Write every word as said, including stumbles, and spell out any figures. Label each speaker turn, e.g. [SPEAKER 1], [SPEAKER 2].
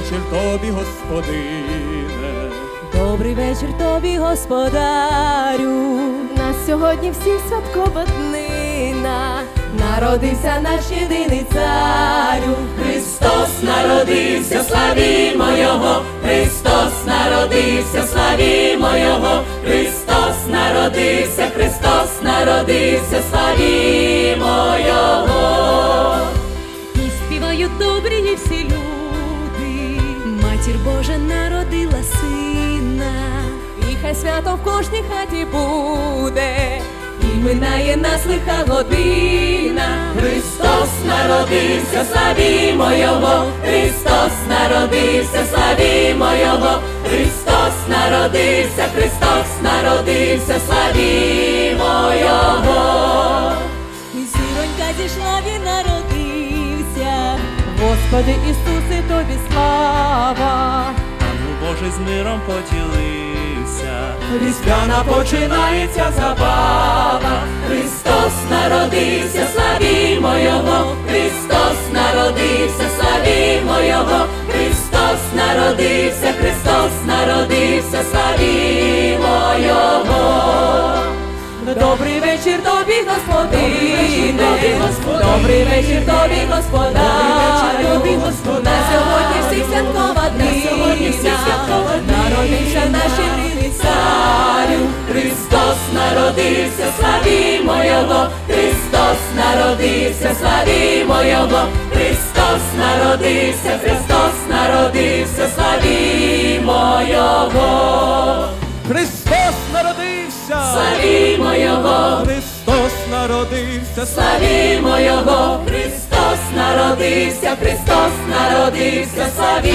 [SPEAKER 1] вечір тобі, Господине.
[SPEAKER 2] Добрий вечір тобі, Господарю.
[SPEAKER 3] Нас сьогодні всіх святкова днина, народився наш єдиний царю.
[SPEAKER 2] Христос народився, славімо Його, Христос народився, славімо Його, Христос народився, Христос народився, славімо Його.
[SPEAKER 3] І співають добрі і всі люди, Матір Божа народила сина.
[SPEAKER 2] І хай свято в кожній хаті буде, і минає нас лиха година. Христос народився, славімо Його, Христос народився, славімо Його, Христос народився, Христос народився, славімо Його. І зіронька зійшла, Він народився. Господи Ісусе, тобі слава.
[SPEAKER 1] Ангел Божий з миром поділився.
[SPEAKER 2] Різдвяна починається забава. Христос народився, славімо Його, Христос народився, славімо Його, Христос народився, Христос народився, славімо Його. Добрий вечір тобі, Господине, добрий вечір тобі, Господарю. На сьогодні всіх святкова днина, народився наш єдиний царю. Христос народився, славімо Його, Христос народився, славімо Його, Христос народився, Христос народився, славімо Його.
[SPEAKER 1] Христос народився!
[SPEAKER 2] Славімо Його!
[SPEAKER 1] Христос народився!
[SPEAKER 2] Славімо Його! Христос народився! Христос народився! Славімо